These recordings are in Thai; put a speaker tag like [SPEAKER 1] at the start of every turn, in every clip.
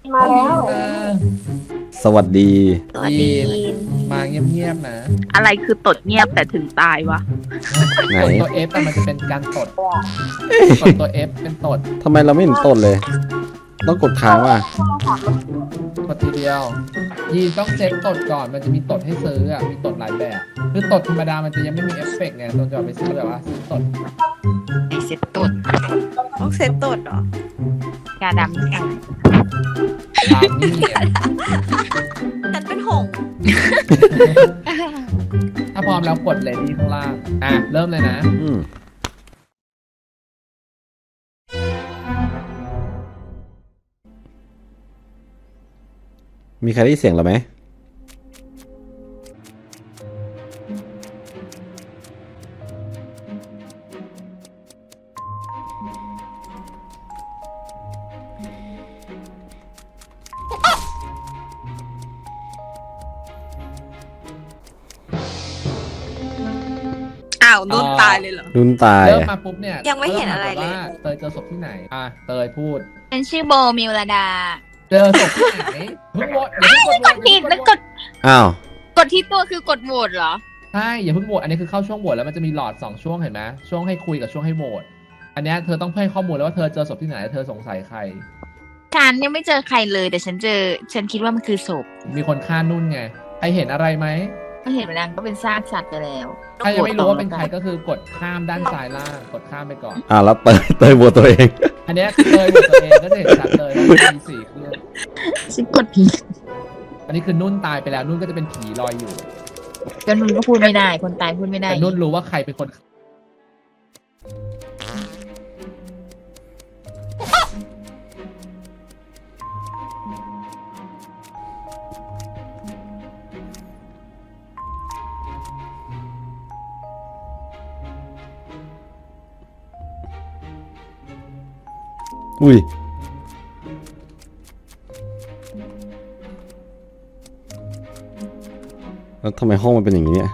[SPEAKER 1] มาแล้ว
[SPEAKER 2] สวัสดี
[SPEAKER 3] สวัสดี
[SPEAKER 4] มาเงียบๆนะ
[SPEAKER 3] อะไรคือตดเงียบแต่ถึงตายวะ
[SPEAKER 2] ไหน
[SPEAKER 4] กดตัว F มันจะเป็นการตดกดตัว F เป็นตด
[SPEAKER 2] ทำไมเราไม่เห็นต้นเลย ต้องกดค้างว่ะ
[SPEAKER 4] กดทีเดียวยีต้องเซ็ตตดก่อนมันจะมีตดให้ซื้ออ่ะมีตดหลายแบบคือตดธรรมดามันจะยังไม่มีเอฟเฟกต์ไงต้องจะไปซื้อแบบว่าซื้อตด
[SPEAKER 3] ไอเซ็ตตด
[SPEAKER 1] ต้องเซตตดเหรอ
[SPEAKER 3] กาดำนี่ไง
[SPEAKER 4] ตามนี่อ่ะ
[SPEAKER 1] ฉันเป็นหงส์
[SPEAKER 4] ถ้าพร้อมแล้วกดเลยที่ข้างล่างเริ่มเลยนะ
[SPEAKER 2] อืมมีใครได้ยินเสียงเราไหม
[SPEAKER 3] อ้าวนุ่นตายเลยเหรอ
[SPEAKER 2] นุ่นตาย
[SPEAKER 4] เริ่ม
[SPEAKER 2] อะ
[SPEAKER 4] มาปุ๊บเนี่ย
[SPEAKER 1] ยังไม่เห็นอะไรเลย
[SPEAKER 4] ว่าเตยเจอศพที่ไหนเตยพูด
[SPEAKER 3] เป็นชื่อโบมิวลดา
[SPEAKER 4] เจอศพที่ไหนเพิ่งโหวตอย่าเพิ่งกดโหวต
[SPEAKER 3] ผิดแล้วกด
[SPEAKER 2] อ้าว
[SPEAKER 3] กดที่ตัวคือกดโหวตเหรอ
[SPEAKER 4] ใช่อย่าเพิ่งโหวตอันนี้คือเข้าช่วงโหวตแล้วมันจะมีหลอด2ช่วงเห็นไหมช่วงให้คุยกับช่วงให้โหวตอันเนี้ยเธอต้องให้ข้อมูลแล้วว่าเธอเจอศพที่ไหนเธอสงสัยใคร
[SPEAKER 3] ฉันยังไม่เจอใครเลยแต่ฉันคิดว่ามันคือศพ
[SPEAKER 4] มีคนฆ่านุ่นไงใครเห็นอะไรไหม
[SPEAKER 3] ไม่เห็นมันก็เป็นซากสัตว์ไปแล้ว
[SPEAKER 4] ถ้ายังไม่รู้ว่าเป็นใครก็คือกดข้ามด้านซ้ายล่างกดข้ามไปก่อน
[SPEAKER 2] แล้วเตยบัวตัวเอง
[SPEAKER 4] อันเนี้ยเคยโหวตตัวเองก็จะเห็นชัดเลยว่ามี4เครื่อง
[SPEAKER 3] ฉันกดผิด
[SPEAKER 4] อันนี้คือนุ่นตายไปแล้วนุ่นก็จะเป็นผีลอยอยู่
[SPEAKER 3] ก็นุ่นก็พูดไม่ได้ คนตายพูดไม่ได้
[SPEAKER 4] แต่นุ่นรู้ว่าใครเป็นคน
[SPEAKER 2] อุ้ยแล้วทำไมห้องมันเป็นอย่างนี้เนี่ย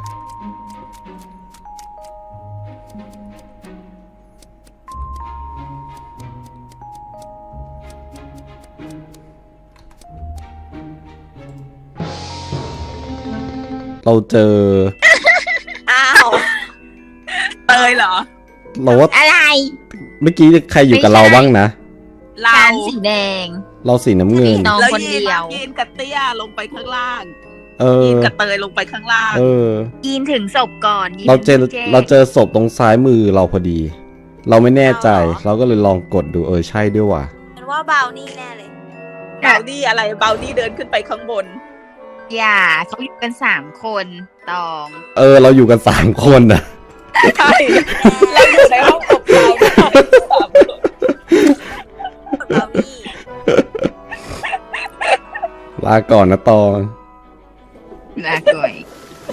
[SPEAKER 2] เราเจอ
[SPEAKER 1] อ้าว
[SPEAKER 3] เตยเหรอ
[SPEAKER 2] เราว่า
[SPEAKER 3] อะไร
[SPEAKER 2] เมื่อกี้ใครอยู่กับเราบ้างนะ
[SPEAKER 1] เรา
[SPEAKER 3] ฉันสีแดง
[SPEAKER 2] เราสีน้ำเงิน
[SPEAKER 3] น้อง
[SPEAKER 1] แล้ว
[SPEAKER 3] คนเดียว
[SPEAKER 1] ยีนกับเตี้ยลงไปข้างล่าง
[SPEAKER 2] เออ
[SPEAKER 1] ยีนกับเตยลงไปข้างล่าง
[SPEAKER 2] เออ
[SPEAKER 3] ยีนถึงศพก่อนยีน
[SPEAKER 2] เราเจอ
[SPEAKER 3] ถึงพี่
[SPEAKER 2] เราเจอศพตรงซ้ายมือเราพอดี เราไม่แน่ใจ เราก็เลยลองกดดูใช่ด้วยว่ะ
[SPEAKER 1] ฉันว่าบาวนี่แน่เลยบาวนี่อะไรบาวนี่เดินขึ้นไปข้างบน
[SPEAKER 3] อย่าเขาอยู่กัน3 คนตอง
[SPEAKER 2] เราอยู่กัน3 คนนะ
[SPEAKER 1] ใช่แล้วอยู่ในห้องอบเราด้วยสามคนบาวนี่
[SPEAKER 2] ลาก่อนนะตอง
[SPEAKER 3] ลาก่อย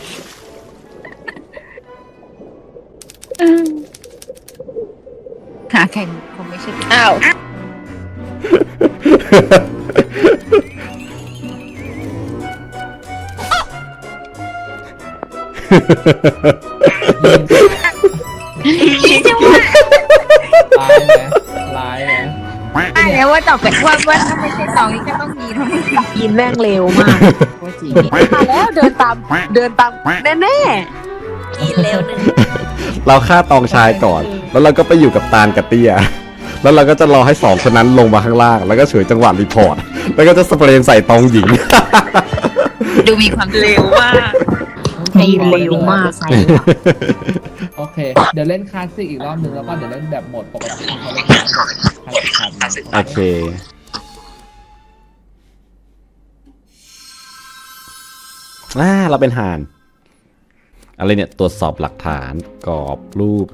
[SPEAKER 3] หาใครคงไม่ใช่
[SPEAKER 1] อ้าว
[SPEAKER 3] คิดว่า
[SPEAKER 4] ร้ายไหม
[SPEAKER 3] ได้แล้วว่าต่อไปว่าถ้าไม่ใช่ตองนี่ก็ต้องมีเท่านั้น
[SPEAKER 1] ยีนแม่งเร็วมาก
[SPEAKER 3] ว่าจริง
[SPEAKER 1] มาแล้วเดินตามแน่ๆยีนเร็วหนึ่ง
[SPEAKER 2] เราฆ่าตองชายก่อน แล้วเราก็ไปอยู่กับตาลกับเตี้ย แล้วเราก็จะรอให้2 คนนั้นลงมาข้างล่าง แล้วก็ฉวยจังหวะรีพอร์ต แล้วก็จะสเปรย์ใส่ตองหญิง
[SPEAKER 3] ดูมีความ
[SPEAKER 1] เร็วมาก
[SPEAKER 3] ยีนเร็วมากใส่
[SPEAKER 4] โอเค เดี๋ยวเล่นคลาสสิกอีกรอบนึงแล้วก็เดี๋ยวเล่นแบบโหมดปกติเขาเล่นแบบคลาสสิก
[SPEAKER 2] โอเค เราเป็นห่าน อะไรเนี่ย ตรวจสอบหลักฐานกรอบรูป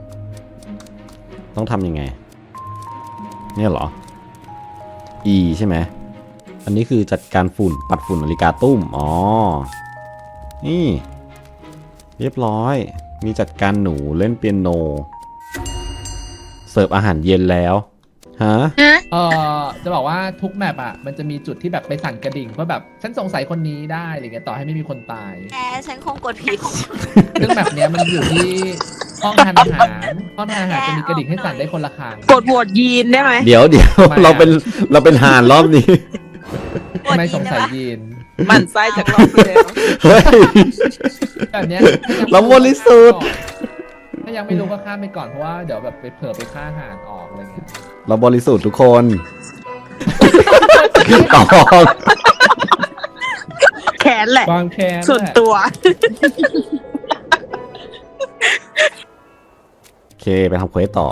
[SPEAKER 2] ต้องทำยังไง เนี่ยเหรอ E ใช่ไหม อันนี้คือจัดการฝุ่น ปัดฝุ่นนาฬิกาตุ้ม อ๋อ นี่ เรียบร้อย มีจัดการหนูเล่นเปียโน เสิร์ฟอาหารเย็นแล้ว ฮะ
[SPEAKER 4] จะบอกว่าทุกแมปอ่ะมันจะมีจุดที่แบบไปสั่นกระดิ่งเพื่อแบบฉันสงสัยคนนี้ได้อะไรเงี้ยต่อให้ไม่มีคนตาย
[SPEAKER 1] แต่ฉันคงกดผิด
[SPEAKER 4] ซึ่งแมปเนี้ยมันอยู่ที่ห้องทานอาหารห้องทานอาหารจะมีกระดิ่งให้สั่นได้คนละครั้ง
[SPEAKER 1] กดโหวตยีนได้ไหม
[SPEAKER 2] เดี๋ยว
[SPEAKER 4] ทำไมอะ
[SPEAKER 2] เราเป็นห่านรอบนี้
[SPEAKER 4] ทำไมสงสัยยีน
[SPEAKER 1] หมันไส้จากรอบที่แล้ว
[SPEAKER 2] เฮ้ย
[SPEAKER 4] แบบเนี้ย
[SPEAKER 2] เราบริสุทธิ์
[SPEAKER 4] ถ้ายังไม่รู้ก็ข้ามไปก่อนเพราะว่าเดี๋ยวแบบไปเผื่อไปฆ่าห่านออกอะไรเงี้ย
[SPEAKER 2] เราบริสุทธิ์ทุกคนตอง
[SPEAKER 3] แค้นแหละ
[SPEAKER 4] ความแค้น
[SPEAKER 3] ส่วนตัว
[SPEAKER 2] โอเคไปทำเควสต่อ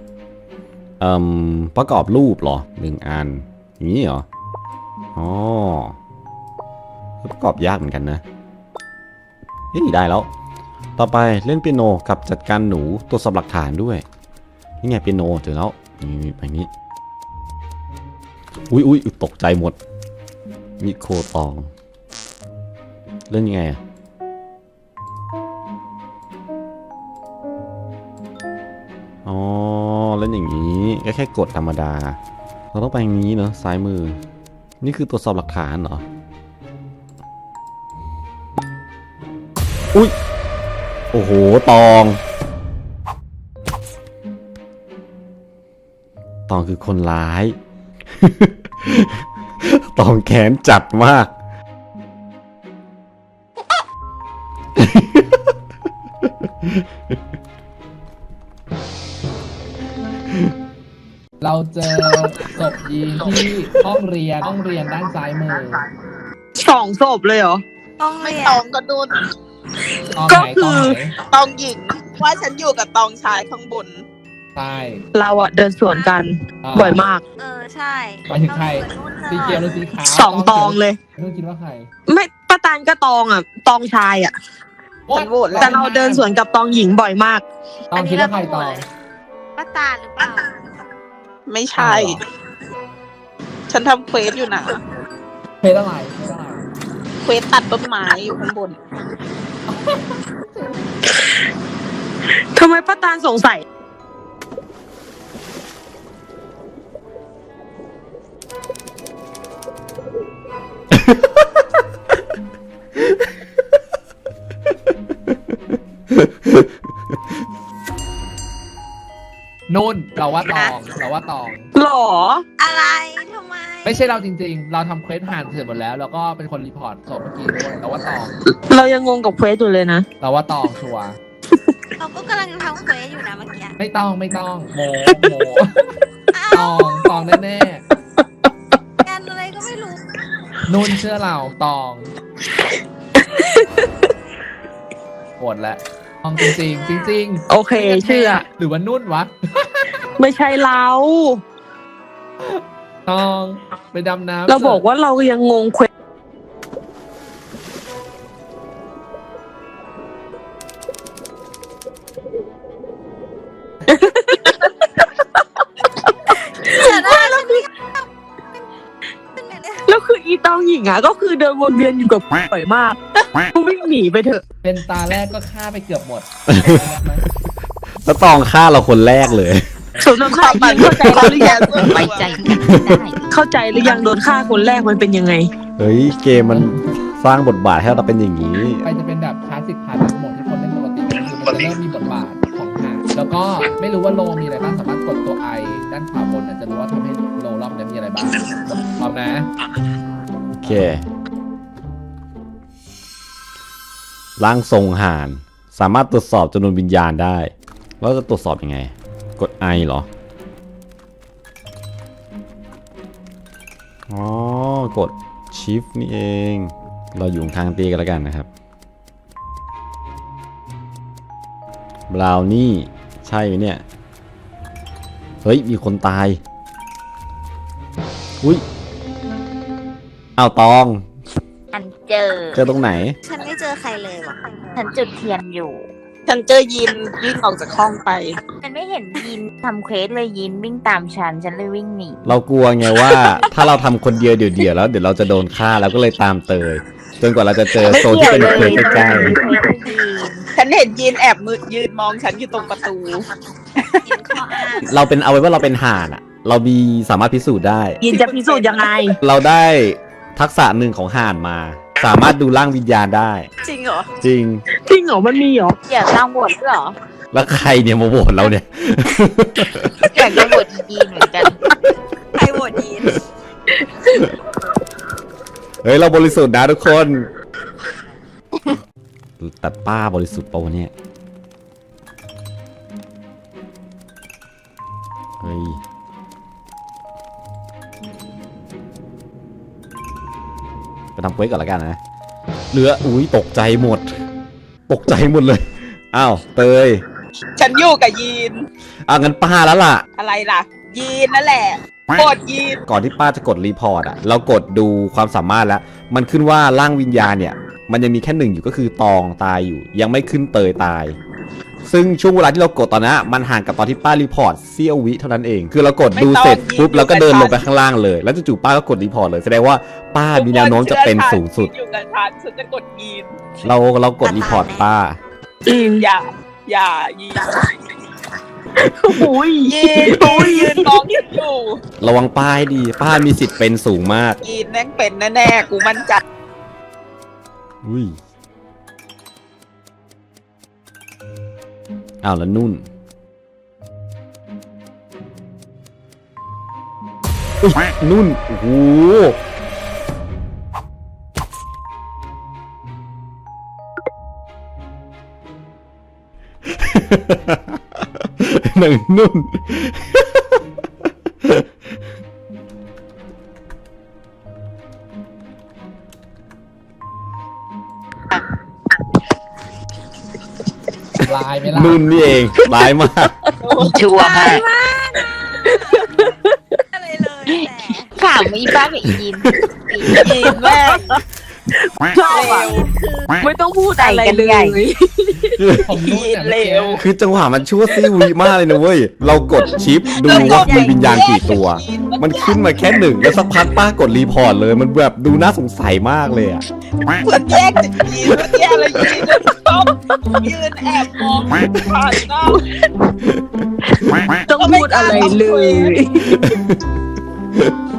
[SPEAKER 2] ประกอบรูปเหรอ1 อันอย่างนี้เหรออ๋อประกอบยากเหมือนกันนะนี่ได้แล้ว ต่อไปเล่นเปียโนกับจัดการหนูตรวจสอบหลักฐานด้วยนี่ไงเปียโนเจอแล้วนี่แบบนี้อุ้ยตกใจหมดมิโครตองเล่นยังไงอะอ๋อเล่นอย่างนี้ก็แค่กดธรรมดาเราต้องไปอย่างนี้เนอะซ้ายมือนี่คือตรวจสอบหลักฐานเหรออุ้ยโอ้โหตองคือคนร้าย ตองแค้นจัดมาก
[SPEAKER 4] เราเจอศพยีนที่ห้องเรียนด้านซ้ายมือ
[SPEAKER 3] 2 ศพเลยเหรอ
[SPEAKER 1] ต้องไม่ตองก็ดูน
[SPEAKER 4] ตอน
[SPEAKER 3] ก็
[SPEAKER 4] ไหน
[SPEAKER 3] คือ
[SPEAKER 1] ตองหญิงว่าฉันอยู่กับตองชายข้างบน
[SPEAKER 4] ใช่
[SPEAKER 3] เราอะเดินสวนกันบ่อยมาก
[SPEAKER 1] ใช่
[SPEAKER 4] หมายถึงใครสีเขียวหรือสีขาว
[SPEAKER 3] 2 ตองเลย
[SPEAKER 4] นุ่นคิดว่าใคร
[SPEAKER 3] ไม่ป้าตานก็ตองอะตองชายอะ
[SPEAKER 1] ฉันโหวตแล้ว
[SPEAKER 3] แต่เราเดินสวนกับตองหญิงบ่อยมาก
[SPEAKER 4] ตองคิดว่าใครตอง
[SPEAKER 1] ป้าตาหรือเปล่า ไม่ใช่ ฉันทำเควสอยู่นะ
[SPEAKER 4] เพศอะไร
[SPEAKER 1] เควสตัดต้นไม้อยู่ข้างบน
[SPEAKER 3] ทำไมป้าตานสงสัย
[SPEAKER 4] นุ่นเราว่าตอง
[SPEAKER 3] หรอ
[SPEAKER 1] อะไรทำไม
[SPEAKER 4] ไม่ใช่เราจริงๆ เราทำเควสผ่านเสร็จหมดแล้ว แล้วก็เป็นคนรีพอร์ตศพเมื่อกี้ด้วยเราว่าตอง
[SPEAKER 3] เรายังงงกับเควสอยู่เลยนะ
[SPEAKER 4] เราว่าตองชัวร์
[SPEAKER 1] เราก็กำลังทำเควสอยู่นะเมื่อกี้
[SPEAKER 4] ไม่ต้องโมตองแน่
[SPEAKER 1] งานอะไรก็ไม่รู้
[SPEAKER 4] ๆนุ่นเชื่อเราตองโหดแล้วตองจริงๆจริง
[SPEAKER 3] โอเคเชื่อ
[SPEAKER 4] หรือว่านุ่นวะ
[SPEAKER 3] ไม่ใช่เรา
[SPEAKER 4] ตองไปดำน้ำ
[SPEAKER 3] เราบอกว่าเรายังงงเควส แล้วคืออีตองหญิงอ่ะก็คือเดินวนเวียนอยู่กับบ่อยมากกูวิ่งหนีไปเถอะ
[SPEAKER 4] เป็นตาแรกก็ฆ่าไปเกือบหมด
[SPEAKER 2] แล้วตองฆ่าเราคนแรกเลย
[SPEAKER 3] สมน้ำหน้ายิงเข้าใจแล้วหรือยัง
[SPEAKER 1] ไว้ใจ
[SPEAKER 3] เข้าใจหรือยังโดนฆ่าคนแรกมันเป็นยังไง
[SPEAKER 2] เฮ้ยเกมมันสร้างบทบาทให้เราเป็นอย่างนี้
[SPEAKER 4] ไปจะเป็นแบบคลาสสิกพาร์ททั้งหมดที่คนเล่นปกติคือมันจะเริ่มมีบทบาทของหาแล้วก็ไม่รู้ว่าโลมีอะไรบ้างสามารถกดตัวไอด้านขวาบนจะรู้ว่าทำให้โลรอบนี้มีอะไรบ้างพร้อมนะ
[SPEAKER 2] โอเคร่างทรงห่านสามารถตรวจสอบจำนวนวิญญาณได้แล้วจะตรวจสอบยังไง กด I เหรอ อ๋อ กด Shift นี่เอง เราอยู่ทางตีกันแล้วกันนะครับบราวนี่ใช่ไหมเนี่ย เฮ้ย มีคนตาย อุ้ยอ้าวตอง
[SPEAKER 5] ฉันเจอ
[SPEAKER 2] เจอตรงไหน
[SPEAKER 1] ฉันไม่เจอใครเลยว่ะ
[SPEAKER 5] ฉันจุดเทียนอยู่
[SPEAKER 1] ฉันเจอยินวิ่งออกจากห้องไป
[SPEAKER 5] ฉันไม่เห็นยินทำเควสเลยยินวิ่งตามฉันเลยวิ่งหนี
[SPEAKER 2] เรากลัวไงว่า ถ้าเราทำคนเดียวเดี่ยวๆแล้วเดี๋ยวเราจะโดนฆ่าแล้วก็เลยตามเตย จนกว่าเราจะเจอโซนที่เป็นเควสใกล้
[SPEAKER 1] ฉันเห็นยินแอบมือยืนมองฉันอยู่ตรงประตูยินข้ออ้าง
[SPEAKER 2] ๆเราเป็นเอาไว้ว่าเราเป็นห่านอะเรามีสามารถพิสูจน์ได้
[SPEAKER 3] ยินจะพิสูจน์ยังไง
[SPEAKER 2] เราได้ทักษะหนึ่งของห่านมา สามารถดูร่างวิญญาณได้
[SPEAKER 1] จริงเหรอ
[SPEAKER 2] จริง
[SPEAKER 3] จริงเหรอมันมีเหรอ
[SPEAKER 5] อยากตั้งบทด้วยเหรอ
[SPEAKER 2] แล้วใครเนี่ยมาโหวตเราเนี่ย
[SPEAKER 5] อยากจะบทยินเหมือนกัน
[SPEAKER 1] ใครโหวตยิน
[SPEAKER 2] เฮ้ยเราบริสุทธิ์นะทุกคน แต่ป้าบริสุทธิ์ปะวะเนี่ยเฮ้ยไปทำเควสก่อนละกันนะเหลืออุ้ยตกใจหมดเลยอ้าวเตย
[SPEAKER 1] ฉันอยู่กับยีน
[SPEAKER 2] งั้นป้าแล้วล่ะ
[SPEAKER 1] อะไรล่ะ ยีนนั่นแหละกดยีน
[SPEAKER 2] ก่อนที่ป้าจะกดรีพอร์ตอ่ะเรากดดูความสามารถแล้วมันขึ้นว่าร่างวิญญาณเนี่ยมันยังมีแค่หนึ่งอยู่ก็คือตองตายอยู่ยังไม่ขึ้นเตยตาย ซึ่งช่วงเวลาที่เรากดตอนนั้นมันห่างกับตอนที่ป้ารีพอร์ตเสี้ยววิเท่านั้นเองคือเรากดดูเสร็จปุ๊บเราก็เดินลงไปข้างล่างเลยแล้วจู่ๆป้าก็กดรีพอร์ตเลยแสดงว่าป้ามีแนวโน้มจะเป็นสูงสุด
[SPEAKER 1] อยู่กับฉันจะกดยีน
[SPEAKER 2] เรากดรีพอร์ตป้า
[SPEAKER 1] อย่ายีน
[SPEAKER 3] โอ้ย
[SPEAKER 1] ยีนยืนมองฉันอยู่
[SPEAKER 2] ระวังป้าให้ดีป้ามีสิทธิ์เป็นสูงมาก
[SPEAKER 1] ยีนแม่งเป็นแน่ๆกูมั่นใจ
[SPEAKER 2] อุ้ยอ้าวแล้วนุ่นอุ๊ยนุ่นโอ้โห หนึ่งนุ่น
[SPEAKER 4] ลายไหมล่ะ
[SPEAKER 2] นุ่นนี่เองร้ายมาก
[SPEAKER 5] ชัวร์มาก
[SPEAKER 1] อะไรเลยแต่
[SPEAKER 5] ถามอีป้ากับอียิน
[SPEAKER 1] ยีนแม่ง
[SPEAKER 3] ชอบอ่ะไม่ต้องพูดอะไรเลย
[SPEAKER 4] ผมนุ่นเนี่ยเมื่อกี้
[SPEAKER 2] คือจังหวะมันชั่วซี่วีมากเลยนะเว้ย เรากดชิปดูว่ามีวิญญาณกี่ตัว มันขึ้นมาแค่หนึ่งแล้วสักพักป้ากดรีพอร์ตเลย มันแบบดูน่าสงสัยมากเลยอ่ะ
[SPEAKER 1] เหมือนแยกจากยีนเมื่อกี้อะไรยีนต้องยืนแอบมองผ่านหน้า
[SPEAKER 3] ต้องพูดอะไรเลย